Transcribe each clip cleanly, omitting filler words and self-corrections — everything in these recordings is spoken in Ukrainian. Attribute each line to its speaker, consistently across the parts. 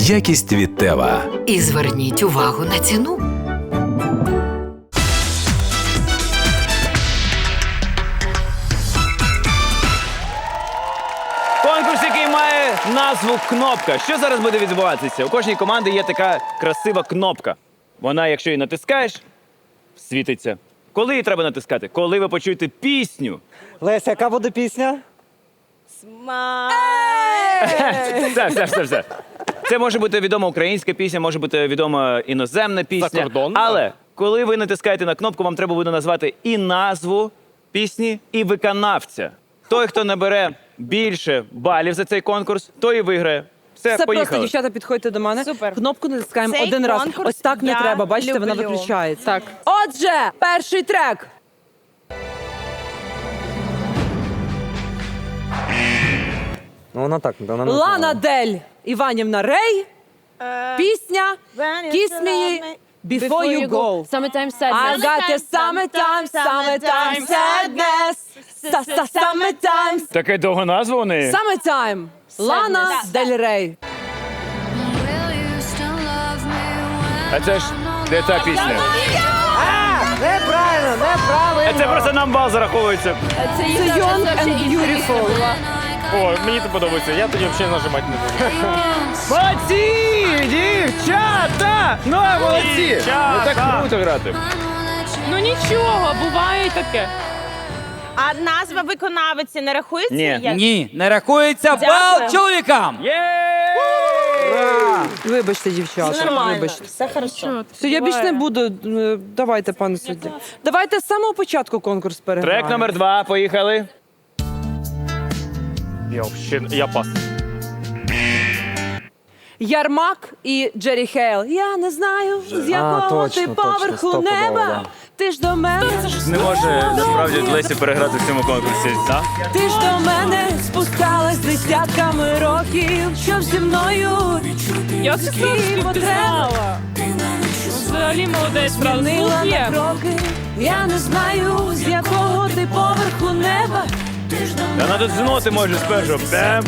Speaker 1: Якість від Тева.
Speaker 2: І зверніть увагу на ціну.
Speaker 3: Конкурс, який має назву «Кнопка». Що зараз буде відбуватися? У кожній команді є така красива кнопка. Вона, якщо її натискаєш, світиться. Коли її треба натискати? Коли ви почуєте пісню.
Speaker 4: Леся, яка буде пісня?
Speaker 3: Все. Це може бути відома українська пісня, може бути відома іноземна пісня.
Speaker 5: Закордонна?
Speaker 3: Але коли ви натискаєте на кнопку, вам треба буде назвати і назву пісні, і виконавця. Той, хто набере більше балів за цей конкурс, той і виграє. Все,
Speaker 6: Це
Speaker 3: поїхали.
Speaker 6: просто, дівчата, підходьте до мене.
Speaker 7: Супер.
Speaker 6: Кнопку натискаємо
Speaker 7: Цей
Speaker 6: один раз.
Speaker 7: конкурс
Speaker 6: Ось так не
Speaker 7: я
Speaker 6: треба. Бачите, вона
Speaker 7: люблю.
Speaker 6: виключається. Так. Отже, перший трек.
Speaker 4: Ну вона так, вона не
Speaker 6: Лана
Speaker 4: знала.
Speaker 6: Дель Іванівна Рей. Пісня Kiss Me Before You Go.
Speaker 7: Summertime
Speaker 6: I got the summertime sadness. Summertime.
Speaker 3: Таке довга назва у неї?
Speaker 6: Summertime. Лана Дель Рей.
Speaker 3: А це ж де та пісня?
Speaker 4: Неправильно!
Speaker 3: А це просто нам бал зараховується.
Speaker 6: Це Young and Beautiful.
Speaker 5: О, мені це подобається, я тоді взагалі нажимати не буду.
Speaker 3: Молодці, дівчата! Ну, молодці! Ну так круто грати.
Speaker 7: Ну нічого, буває і таке.
Speaker 8: А назва виконавиці не рахується?
Speaker 3: Ні.
Speaker 8: Як?
Speaker 9: Ні, не рахується бал чоловікам.
Speaker 6: Вибачте, дівчата.
Speaker 8: Нормально,
Speaker 6: Вибачте.
Speaker 8: все хорошо.
Speaker 6: Все, я більше не буду. Давайте, пане суддя. Давайте з самого початку конкурс переграємо.
Speaker 3: Трек номер 2, поїхали.
Speaker 5: Я пас.
Speaker 6: Ярмак і Джері Хейл. Я не знаю, з якого
Speaker 4: точно,
Speaker 6: ти
Speaker 4: точно,
Speaker 6: поверху
Speaker 4: стопудово,
Speaker 6: неба.
Speaker 4: да.
Speaker 6: Ти ж до мене,
Speaker 3: Не може насправді Лесі переграти в цьому конкурсі, так?
Speaker 6: ти ж до мене спускалась десятками років, щоб зі мною
Speaker 7: Я це
Speaker 6: твої потреби
Speaker 7: взагалі молодець,
Speaker 6: змінила на кроки. Я не знаю, з якого ти поверху неба.
Speaker 3: Та надо з ноти може спершу. Бем.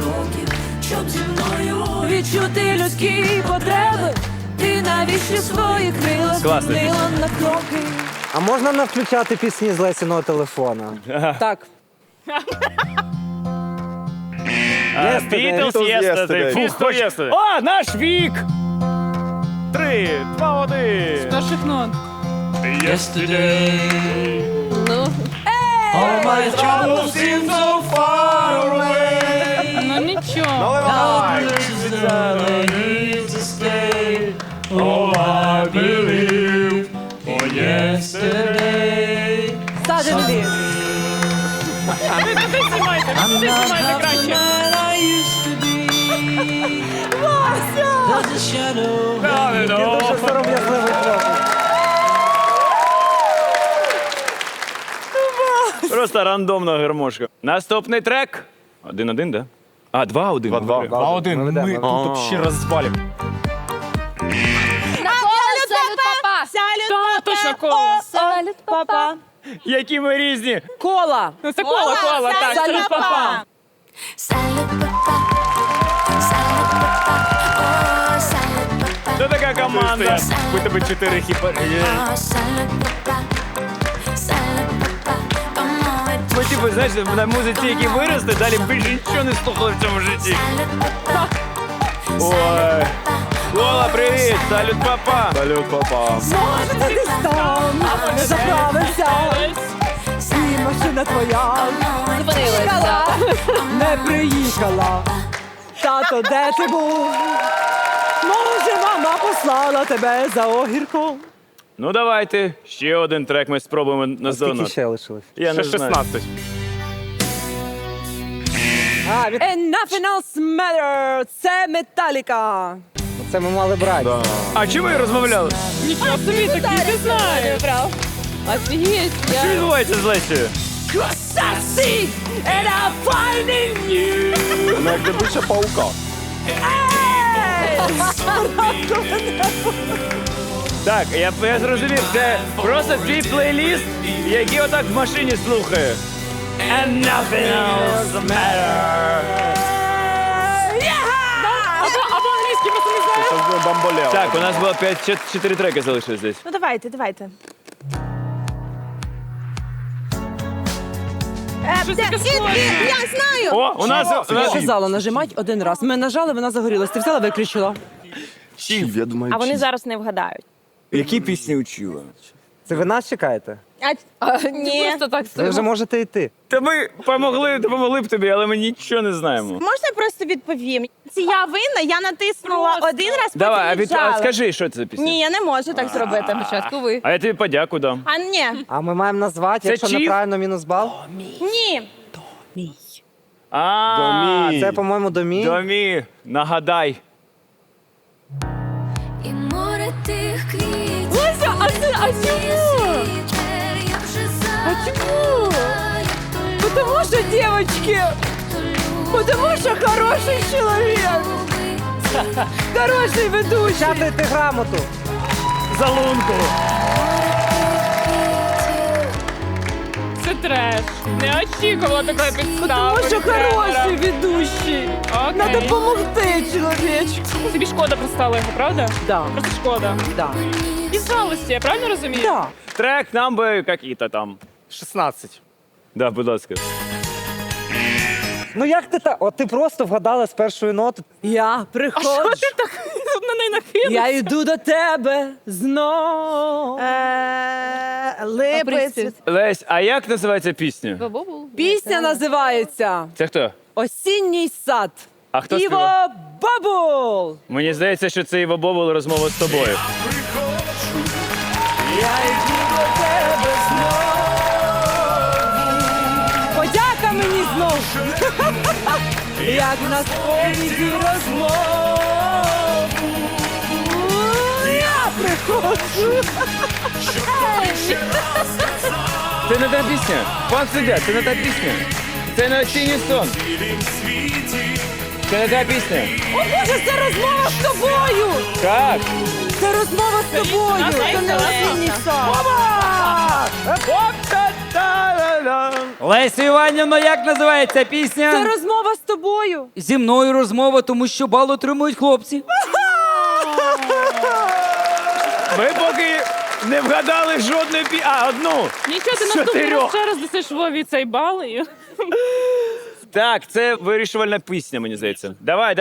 Speaker 6: Відчути людські потреби. Ти навіщо свої крила
Speaker 3: Класна
Speaker 6: змінила на кроки.
Speaker 4: А можна не включати пісні з Лесіного телефона?
Speaker 6: Так.
Speaker 3: Beatles Yesterday. Фу, хоч... О, наш вік! 3, 2, 1.
Speaker 7: Перших нот. Ну нічого.
Speaker 6: Suddenly.
Speaker 7: Ви знімайте краще.
Speaker 4: Дуже сором'язливий хлопець.
Speaker 3: Просто рандомна гармошка. Наступний трек. 1-1, да? А, 2-1.
Speaker 5: 2-1. 2-1. Ми тут ще розбалів.
Speaker 7: Та, точно коло.
Speaker 8: Салют, папа.
Speaker 3: Які ми різні.
Speaker 6: Кола.
Speaker 7: Ну це коло, так.
Speaker 6: Салют, папа.
Speaker 3: Це така команда. У тебе 4 хіпа. Ми, типу, знаєш, на музиці, які виросли, далі більше нічого не слухали в цьому житті. Ой. Кола, привіт! Салют, папа! Салют, папа!
Speaker 6: Може, ти десь там не заправився. І машина твоя приїхала, не приїхала. Тато, де ти був? Може, мама послала тебе за огірком.
Speaker 3: Ну давайте, ще один трек ми спробуємо на
Speaker 4: Скільки
Speaker 3: зону.
Speaker 4: ще лишилось?
Speaker 3: Я не
Speaker 5: Ще
Speaker 3: знаю.
Speaker 5: 16.
Speaker 6: And nothing else matters. Це Металіка.
Speaker 4: Це ми мали брати.
Speaker 3: А чому ви розмовляли?
Speaker 7: Нічого собі, такий ти знаєш. Офігеть.
Speaker 3: Що відбувається з Лесією?
Speaker 6: And I'm finding you.
Speaker 5: Вона як добича паука.
Speaker 3: Так, я зрозумів, це просто твій плейліст, який отак в машині слухає. And nothing else matters.
Speaker 7: Або англійський
Speaker 5: Бамболео.
Speaker 3: Так, у нас було 4 треки залишилось десь.
Speaker 8: Ну давайте. Я знаю!
Speaker 3: О, у нас...
Speaker 6: Я казала, нажимать один раз. Ми нажали, вона загорілась. Ти взяла, виключила.
Speaker 1: Я думаю,
Speaker 8: А вони зараз не вгадають.
Speaker 1: які пісні учила?
Speaker 4: Це ви нас чекаєте?
Speaker 8: Ні.
Speaker 7: Просто так
Speaker 4: Ви вже можете йти.
Speaker 3: Та ми допомогли б тобі, але ми нічого не знаємо.
Speaker 8: Можна я просто відповім? Це я винна, я натиснула один раз, потім
Speaker 3: Давай,
Speaker 8: віджала.
Speaker 3: скажи, що це за пісня?
Speaker 8: Ні, я не можу так зробити.
Speaker 7: Спочатку ви.
Speaker 3: А я тобі подяку дам.
Speaker 8: А ні.
Speaker 4: А ми маємо назвати,
Speaker 3: Це
Speaker 4: якщо
Speaker 3: чіп?
Speaker 4: неправильно мінус бал.
Speaker 8: Ні.
Speaker 3: А,
Speaker 4: Це, по-моєму, домі.
Speaker 3: Домі, нагадай.
Speaker 10: І море тих квітів.
Speaker 7: Леся, а чому? А чому? Потому что, девочки, потому что хороший человек, хороший ведущий.
Speaker 4: Печатайте грамоту.
Speaker 3: За лунку.
Speaker 7: Це треш. Не очікувала такої підстави.
Speaker 6: Тому що хороший ведущий. Надо допомогти чоловічку.
Speaker 7: Тобі шкода пристала його, правда?
Speaker 6: Да,
Speaker 7: Просто шкода.
Speaker 6: да,
Speaker 7: Із жалості, я правильно розумію?
Speaker 6: да.
Speaker 3: Трек нам би какі-то там.
Speaker 5: 16.
Speaker 3: Да, будь ласка.
Speaker 4: Ну як ти так? От ти просто вгадала з першої ноти.
Speaker 6: Я приходжу,
Speaker 7: Ти так на неї нахилив.
Speaker 6: я йду до тебе знов.
Speaker 8: Липець.
Speaker 3: Лесь, а як називається пісня?
Speaker 6: Пісня називається
Speaker 3: Це хто?
Speaker 6: «Осінній сад».
Speaker 3: А хто
Speaker 6: Іво
Speaker 3: співав?
Speaker 6: Бабул.
Speaker 3: Мені здається, що це Іво Бобул розмова з тобою.
Speaker 6: Я йду до тебе знов. Подяка мені знов. Як на сповіді розмову. Я приходжу.
Speaker 3: Це не та пісня. Пан суддя, це не та пісня. Це не осінній сон. Це не та пісня.
Speaker 6: О Боже, це розмова з тобою.
Speaker 3: Так.
Speaker 6: Це розмова з тобою. Це не осінній сад.
Speaker 9: Лесю Іванівно, як називається
Speaker 6: Це
Speaker 9: пісня?
Speaker 6: розмова з тобою.
Speaker 9: Зі мною розмова, тому що бал отримують хлопці.
Speaker 3: Ми поки не вгадали жодної пісні. А, одну.
Speaker 7: Нічого, ти
Speaker 3: З
Speaker 7: наступний раз
Speaker 3: 4.
Speaker 7: ще раз дасиш Вові цей бал. І...
Speaker 3: Так, це вирішувальна пісня, мені здається. Давай.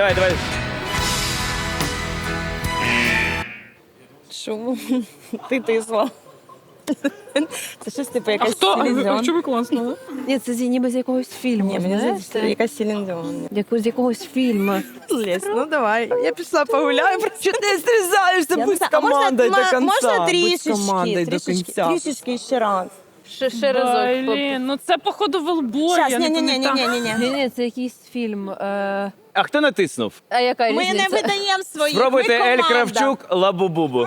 Speaker 8: Чому? Ти тисла. Це щось типу якась
Speaker 7: Хто?
Speaker 8: Селін Діон.
Speaker 7: Чому класно?
Speaker 8: Ні, це ніби з якогось фільму. Ні, мені здається, це якась Селін Діон. З якогось фільму. Лесь, ну давай. Я пішла погуляю.
Speaker 6: Що ти стрізаєшся? Будь з командою до кінця.
Speaker 8: Можна
Speaker 6: Будь з командою до кінця.
Speaker 8: трішечки ще раз.
Speaker 7: Ще разок. Блін, ну це походу велбой.
Speaker 8: Щас,
Speaker 7: я не пам'ятаю.
Speaker 8: ні.
Speaker 11: Ні, це якийсь фільм.
Speaker 3: А хто натиснув?
Speaker 11: А яка
Speaker 8: Ми
Speaker 11: різниця?
Speaker 8: не видаємо своїх.
Speaker 3: Спробуйте
Speaker 8: ми
Speaker 3: Ель
Speaker 8: команда.
Speaker 3: Кравчук, Лабу-Бубу.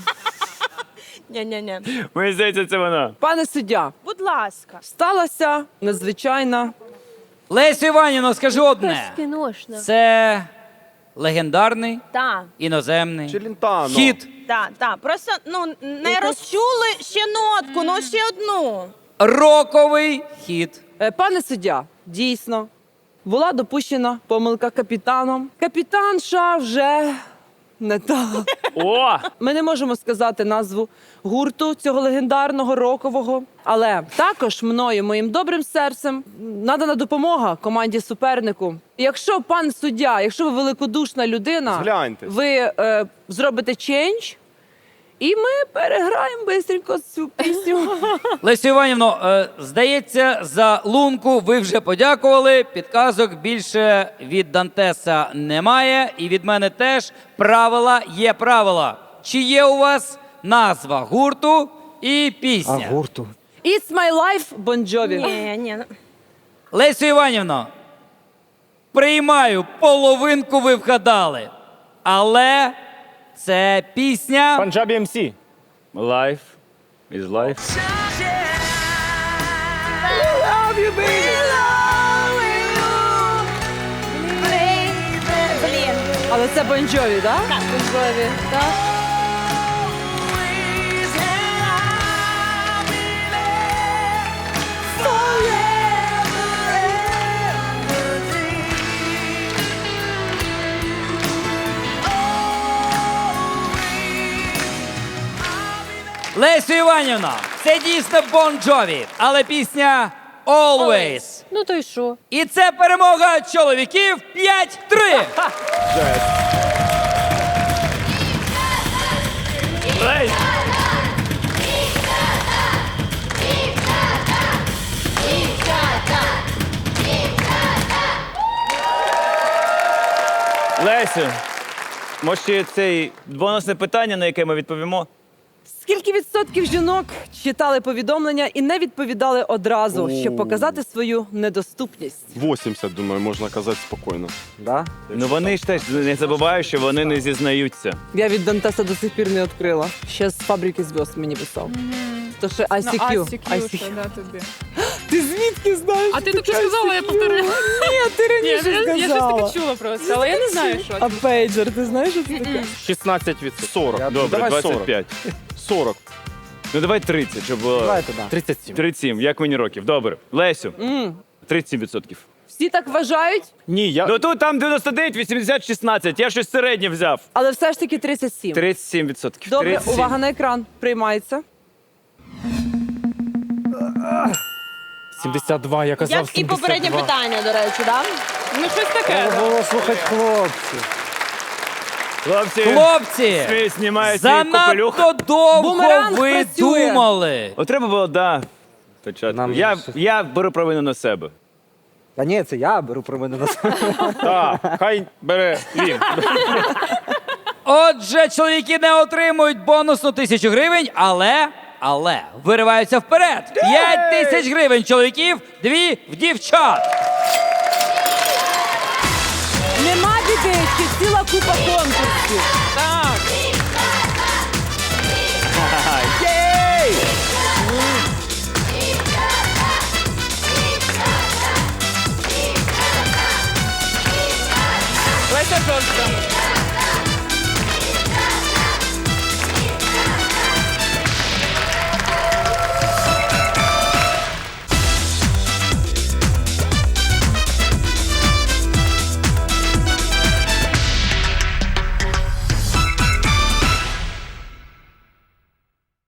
Speaker 8: Ні.
Speaker 3: Мені здається, це вона.
Speaker 6: Пане суддя,
Speaker 8: Будь ласка.
Speaker 6: сталася надзвичайна.
Speaker 9: Лесю Іванівно, скажи одне.
Speaker 11: Кіношна.
Speaker 9: Це легендарний,
Speaker 8: Так.
Speaker 9: іноземний
Speaker 5: Челентано.
Speaker 9: хіт.
Speaker 8: Так. Просто не розчули ще нотку, ще одну.
Speaker 9: Роковий хіт.
Speaker 6: Пане суддя, дійсно, була допущена помилка капітаном. Капітанша вже не та.
Speaker 3: О!
Speaker 6: Ми не можемо сказати назву гурту цього легендарного рокового, але також мною, моїм добрим серцем, надана допомога команді супернику. Якщо пан суддя, якщо ви великодушна людина,
Speaker 5: Згляньте.
Speaker 6: ви зробите чендж, і ми переграємо бистренько цю пісню.
Speaker 9: Лесю Іванівно, здається, за лунку ви вже подякували. Підказок більше від Дантеса немає. І від мене теж. Правила є правила. Чи є у вас назва гурту і пісня?
Speaker 4: гурту.
Speaker 6: It's my life, Bon Jovi.
Speaker 8: Ні.
Speaker 9: Лесю Іванівно, приймаю, половинку ви вгадали. Але це пісня...
Speaker 5: Панджабі МС.
Speaker 3: Life is life.
Speaker 8: Блін.
Speaker 6: Але це Bon Jovi, так?
Speaker 8: Так, Bon Jovi. Так.
Speaker 9: Лесю Іванівна, це дійсно Бон Джові, але пісня Always.
Speaker 7: Ну то й що?
Speaker 9: І це перемога чоловіків 5-3.
Speaker 3: Лесь! Лесю, може ще це бонусне питання, на яке ми відповімо?
Speaker 6: Скільки відсотків жінок читали повідомлення і не відповідали одразу, щоб показати свою недоступність?
Speaker 1: 80, думаю, можна казати спокійно.
Speaker 4: Да?
Speaker 3: Ну вони ж теж не забувають, що вони не зізнаються.
Speaker 6: Я від Дантеса до сих пір не відкрила. Ще з фабрики зв'язок мені писав. То ще ICQ.
Speaker 7: тобі.
Speaker 6: Ти звідки знаєш?
Speaker 7: А ти таке сказала, я повторила.
Speaker 6: Ні, ти раніше
Speaker 7: Я щось
Speaker 6: сказала.
Speaker 7: таке чула просто, але я не знаю, що.
Speaker 6: А пейджер, ти знаєш, що це таке?
Speaker 5: 16%.
Speaker 1: 40.
Speaker 3: Добре,
Speaker 1: Давай
Speaker 3: 25.
Speaker 1: 40.
Speaker 3: Ну давай 30, щоб було
Speaker 4: Давайте, да.
Speaker 5: 37.
Speaker 3: 37, як мені років. Добре. Лесю, 37%.
Speaker 6: Всі так вважають,
Speaker 5: Ні, я...
Speaker 3: Ну тут там 99, 80, 16. Я щось середнє взяв.
Speaker 6: але все ж таки 37.
Speaker 3: 37%.
Speaker 6: Добре,
Speaker 3: 37.
Speaker 6: увага на екран. Приймається.
Speaker 5: 72, я казав
Speaker 8: Як і
Speaker 5: 72.
Speaker 8: попереднє питання, до речі, да?
Speaker 7: Ну щось таке.
Speaker 4: Треба було слухати хлопців.
Speaker 3: Хлопці,
Speaker 9: Хлопці,
Speaker 3: знімають свій капелюх.
Speaker 9: занадто довго
Speaker 6: Бумеранг
Speaker 9: ви
Speaker 6: працює.
Speaker 9: думали.
Speaker 3: От треба було, да. Початку.
Speaker 4: Нам
Speaker 3: Я беру провину на себе.
Speaker 4: Та ні, це я беру про мене на себе.
Speaker 5: Так, хай бере він.
Speaker 9: Отже, чоловіки не отримують бонусну 1000 гривень, але вириваються вперед. 5000 гривень чоловіків, 2 в дівчат.
Speaker 6: Нема біди, ще ціла купа конкурсів.
Speaker 7: Так.
Speaker 3: Єй!
Speaker 7: Леся жорстка.